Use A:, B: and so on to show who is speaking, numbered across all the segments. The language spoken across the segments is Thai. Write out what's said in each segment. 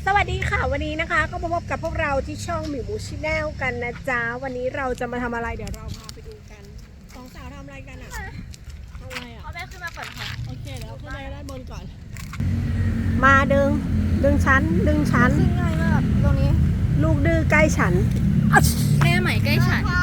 A: สวัสดีค่ะวันนี้นะคะก็มาพบกับพวกเราที่ช่องหมิวมูชิแนลกันนะจ๊ะวันนี้เราจะมาทำอะไรเดี๋ยวเราพาไปดูกันสองสาวทำอะไรกันอ่ะทำอะไรอ่ะ
B: เอาแม่ขึ้นมาก่อนค่ะ
A: โอเคเดี๋ยวขึ้นไปด้านบนก่อนมาดึงชั้น
B: ขึ้นง่ายมากตรงนี้
A: ลูกดื้อใกล้ฉัน
B: แม่ใหม่ใกล้ฉัน
C: ค่ะ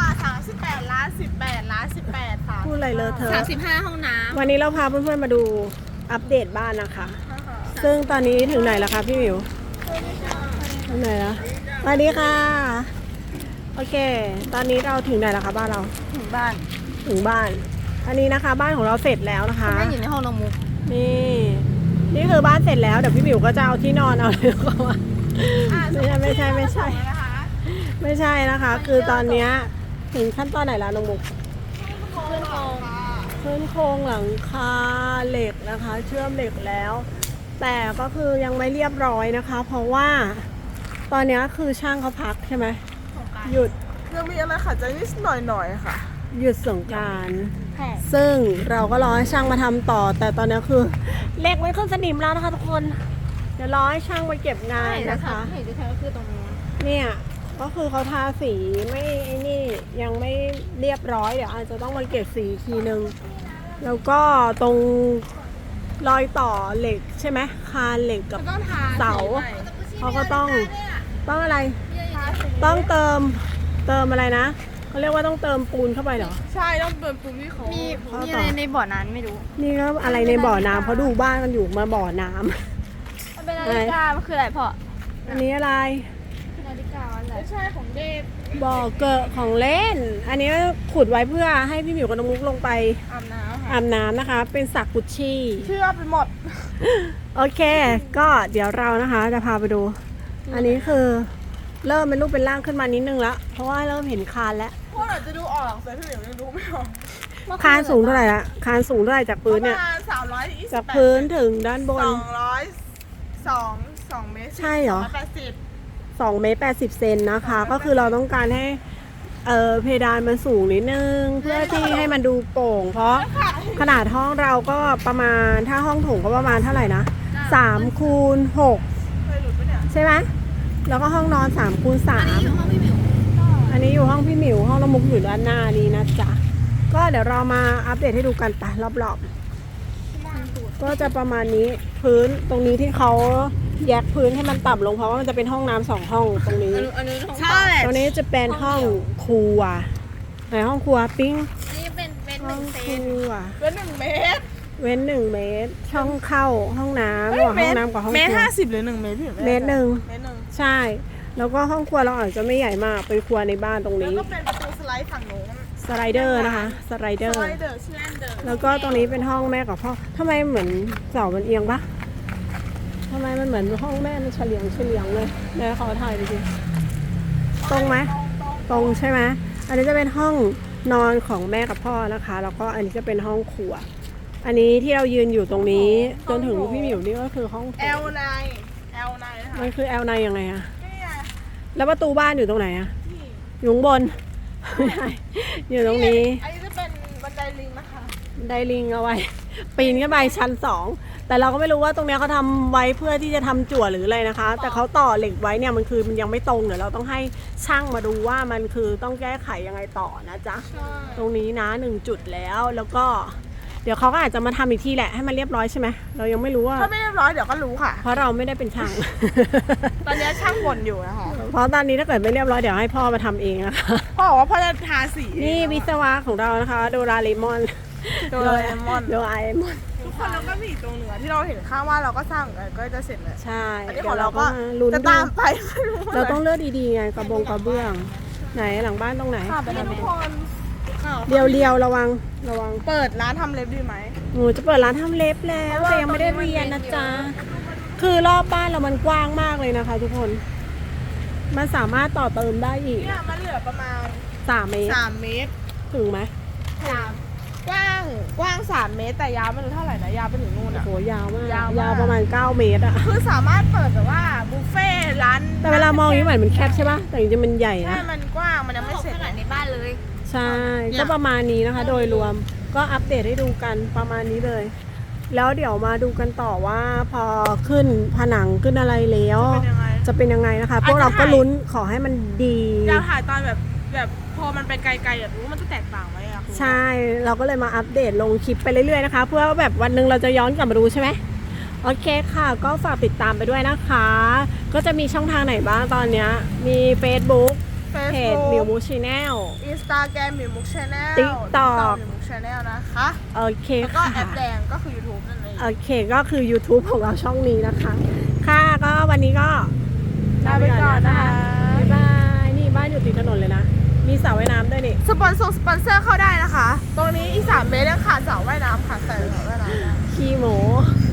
C: 38 ล้าน 18 ล้าน 18 ค่ะ
A: พูดอะไรเลยเธอ
B: 35 ห้องน้
A: วันนี้เราพาเพื่อนๆมาดูอัปเดตบ้านนะคะ ซึ่งตอนนี้ถึงไหนแล้วคะพี่หมิวถึงไหนแล้วสวัสดีค่ะโอเค ตอนนี้เราถึงไหนแล้วคะบ้านเรา
B: ำถึงบ้าน
A: ถึงบ้าน อันนี้นะคะบ้านของเราเสร็จแล้วนะคะ
B: แม่อยู่ในห้องน้องมุก
A: นี่คือบ้านเสร็จแล้วเดี๋ยวพี่หมิวก็จะเอาที่นอนเอาเลยก็ว่าไม่ใช่ไม่ใช่นะคะ คือตอนเนี้ยถึงขั้นตอนไหนแล้วน้องมุก
B: ขึ้นโครง
A: ขึ้นโครงหลังคาเหล็กนะคะ เชื่อมเหล็กแล้ว แต่ก็คือยังไม่เรียบร้อยนะคะ เพราะว่าตอนเนี้ยคือช่างเขาพักใช่ไหมหยุด
C: ยังมีอะไรขัดใจนิดหน่อยค่ะ
A: หยุดสงกรานต์ซึ่งเราก็รอให้ช่างมาทำต่อ แต่ตอนนี้คือเหล็กไม่ขึ้นสนิมแล้วนะคะทุกคน เดี๋ยวรอให้ช่างมาเก็บงานนะคะ
B: เห็นจะแท้ก็คือตรงนี้
A: เนี่ยก็คือเขาทาสีไม่ไอ้นี่ยังไม่เรียบร้อยเดี๋ยวอาจจะต้องมาเก็บสีอีกทีนึง แล้วก็ตรงรอยต่อเหล็กใช่ไหมคานเหล็กกับ
C: ต้องทา
A: เสาเขาก็ต้องอะไร ต้องเติมอะไรนะเขาเรียกว่าต้องเติมปูนเข้าไปเหรอ
C: ใช่ต้องเปิดปุ่มที่เขา
B: มีอะไรในบ่อนั้นไม่รู้
A: นี่ก็อะไรในบ่อน้ำเขาดูบ้านกันอยู่มาบ่อน้ำ
B: มันเป็นนาฬิกามันคืออะไรพ่อ
A: อันนี้อะไร
B: นาฬิกาอะไร
C: ไม่ใช่ของเดท
A: บ่อเกอะของเล่น อันนี้ขุดไว้เพื่อให้พี่หมิวกับน้องมุกลงไป
C: อาบน้ำค่ะ
A: อาบน้ำนะคะ เป็นสระกุชชี่
C: เชื่อไปหมด
A: โอเค ก็เดี๋ยวเรานะคะจะพาไปดู อันนี้คือเริ่มเป็นรูปเป็นร่างขึ้นมานิดนึงแล้วเพราะว่าเริ่มเห็นคานแล้ว
C: พวกเราจะดูออกแต่พี่เหมียวยังดูไม่ออก
A: คานสูงเท่าไหร่ละคานสูงเท่าไหร่จากพื้นเนี่ย
C: ประมาณ328
A: จากพื้นถึงด้านบน
C: 2 เมตร
A: ใช่เหรอ
C: 280
A: 2 เมตร 80 เซนนะคะ ก็คือเราต้องการให้เพดานมันสูงนิดนึง เพื่อที่ให้มันดูโปร่ง เพราะขนาดห้องเราก็ประมาณถ้าห้องโถงก็ประมาณเท่าไหร่นะ3 คูณ
C: เคยหลุดปะเนี่ย
A: 6 ใช่ไหมแล้วก็ห้องนอน3 คูณ 3
B: อยู่ห้องพี่หมิว
A: อันนี้อยู่ห้องพี่หมิวห้องละมุกอยู่ด้านหน้านี้นะจ๊ะ ก็เดี๋ยวเรามาอัปเดตให้ดูกันไปรอบๆก็จะประมาณนี้พื้นตรงนี้ที่เขาแยกพื้นให้มันต่ำลงเพราะว่ามันจะเป็นห้องน้ำ2 ห้องตรงนี้
B: อันนี้ห้อง
C: ใช่
A: ตรงนี้จะเป็นห้องครัวไหนห้องครัวปิ้ง
B: อันนี้เป็นห
A: ห้อ
B: นึ่
A: ง
B: งเซ
A: คน รัว
C: เป็น1 เมตร
A: เว้น1 เมตร ช่องเข้าห้องน้ำระหว่างห้องน้ำกับห้องค
C: เมตร
A: รัว
C: 50 หรือ 1 เมตรพี่
A: เมตรหนึ่ง
C: เมตรหนึ่ง
A: ใช่ แล้วก็ห้องครัวเราอาจจะไม่ใหญ่มากเป็นครัวในบ้านตรง
C: แล้ว
A: นี้
C: ก็เป็นประตูสไลด์ฝั่งโน้น
A: สไลเดอร์นะคะสไลเดอ
C: ส
A: ร์
C: ไลเดอร์สแลนเดอร์
A: แล้วก็ตรงนี้เป็นห้องแม่กับพ่อทำไมเหมือนเสามันเอียงปะทำไมมันเหมือนห้องแม่มันเฉลียงเลยเดี๋ยวขอถ่ายดูสิตรงไหมตรงใช่ไหมอันนี้จะเป็นห้องนอนของแม่กับพ่อนะคะ แล้วก็อันนี้จะเป็นห้องครัว อันนี้ที่เรายืนอยู่ตรงนี้จนถึงพี่หมิวนี่ก็คือห้องโถง
C: L9 นะคะ
A: มันคือ L9 ยังไงอะ
C: นี่ไง
A: แล้วประตูบ้านอยู่ตรงไหนอะ
C: นี่
A: อยู่ข้างบน ไม่ใช่อยู่ตรงนี้
C: อันนี้จะเป็นบันไดลิงนะคะ
A: ไดลิงเอาไว้ ปีนขึ้นไปชั้น 2 แต่เราก็ไม่รู้ว่าตรงเนี้ยเขาทำไว้เพื่อที่จะทำจั่วหรืออะไรนะคะ แต่เขาต่อเหล็กไว้เนี่ยมันคือมันยังไม่ตรงเดี๋ยวเราต้องให้ช่างมาดูว่ามันคือต้องแก้ไขยังไงต่อนะจ๊ะ
C: ใช่
A: ตรงนี้นะ1 จุดแล้วก็ เดี๋ยวเขาก็อาจจะมาทำอีกทีแหละให้มันเรียบร้อยใช่ไหมเรายังไม่รู้ว่า
C: ถ้าไม่เรียบร้อยเดี๋ยวก็รู้ค่ะ
A: เพราะเราไม่ได้เป็นช่าง
C: ตอนนี้ช่างบ่นอยู่นะคะ
A: เพราะตอนนี้ถ้าเกิดไม่เรียบร้อยเดี๋ยวให้พ่อมาทำเองนะคะ
C: พ่อบอกว่าพ่อจะทาสี
A: นี่วิศวะของเรานะคะโดราเลมอน
C: โดราเอมอน
A: โดราเอมอน
C: ทุกคนแล้วก็มีอีกตรงเหนือที่เราเห็นข้างว่าเราก็สร้างก็จะเสร็จแล้ว
A: ใช่
C: อันนี้
A: เดี๋
C: ข
A: ย
C: อ
A: ว
C: ง
A: เรา
C: เรา
A: ก็
C: ก็
A: ลุ้น
C: จะ
A: ดู
C: ตามไปไม่รู้
A: เราต้องเลือกดีๆไงกระเบื้องไหนหลังบ้านตรงไหน
B: ข้าไปใน
C: ทุ
B: แม
C: กคน
A: เรียวระวัง
C: เปิดร้านทำเล็บดีไหม
A: หนูจะเปิดร้านทำเล็บแล้วแต่ยังไม่ได้เรียนนะจ๊ะคือรอบบ้านเรามันกว้างมากเลยนะคะ ทุกคน มันสามารถต่อเติมได้อีก
C: เนี่ยมันเหลือประมาณ
A: 3 เมตร
C: 3 เมตร
A: ถึงไหม
C: กว้าง3 เมตรแต่ยาวไม่รู้เท่าไหร่นะยาวไปถึงนู่น
A: โอ้
C: อ่ะ
A: โหยาวมาก
C: ยาวมาก
A: ยาวประมาณ9 เมตรอะ
C: คือสามารถเปิดแบบว่าบุฟเฟ่ต์ร้าน
A: แต่เวลามองอย่างนี้เหมือนมันแคบใช่ปะแต่จริงๆมันใหญ่
C: ใช่
A: นะ
C: มันกว้างมันยังไม่
B: ไม่
C: เส
B: เส
C: ร็
B: ร็
C: จ
B: จขนาดในบ้านเลย
A: ใช่
C: เนี่ย
A: ก็ประมาณนี้นะคะ โดยรวมก็อัปเดตให้ดูกันประมาณนี้เลย แล้วเดี๋ยวมาดูกันต่อว่าพอขึ้นผนังขึ้นอะไรแล้ว
C: เป็นยังไง
A: จะเป็นยังไงนะคะ พ
C: อาจจะ
A: วกเราก็ลุ้นขอให้มันดี
C: อยากถ่ายตอนแบบพอมันไปไกลๆอยากรู้ว่ามันจะแตกต่างไหมอะคุณ
A: ใช่เราก็เลยมาอัปเดตลงคลิปไปเรื่อยๆนะคะ เพื่อแบบวันหนึ่งเราจะย้อนกลับมาดูใช่ไหมโอเคค่ะ ก็ฝากติดตามไปด้วยนะคะ ก็จะมีช่องทางไหนบ้างตอนเนี้ยมี Facebook เพจมิวมูชแนล
C: อินสตาแกรมมิวมุกชาแนล
A: TikTok
C: มิวมุกชาแนลนะคะ
A: โอเค
C: แล้วก็
A: ค่ะ
C: แอปแดงก็คือ YouTube นั่นเอง
A: โอเคก็คือ YouTube ของเราช่องนี้นะคะ ค่ะก็วันนี้ก็
C: ลาไปก่อนนะคะ
A: บ๊ายบายนี่บ้านอยู่ติดถนนเลยนะ มีสระว่ายน้ำด้วยนี่
C: สปอนเซอร์เข้าได้นะคะ ตรงนี้อีก3 เมตรยังขาดสระว่ายน้ำค่ะใส่สระว่ายน้ำได้
A: ขี้โม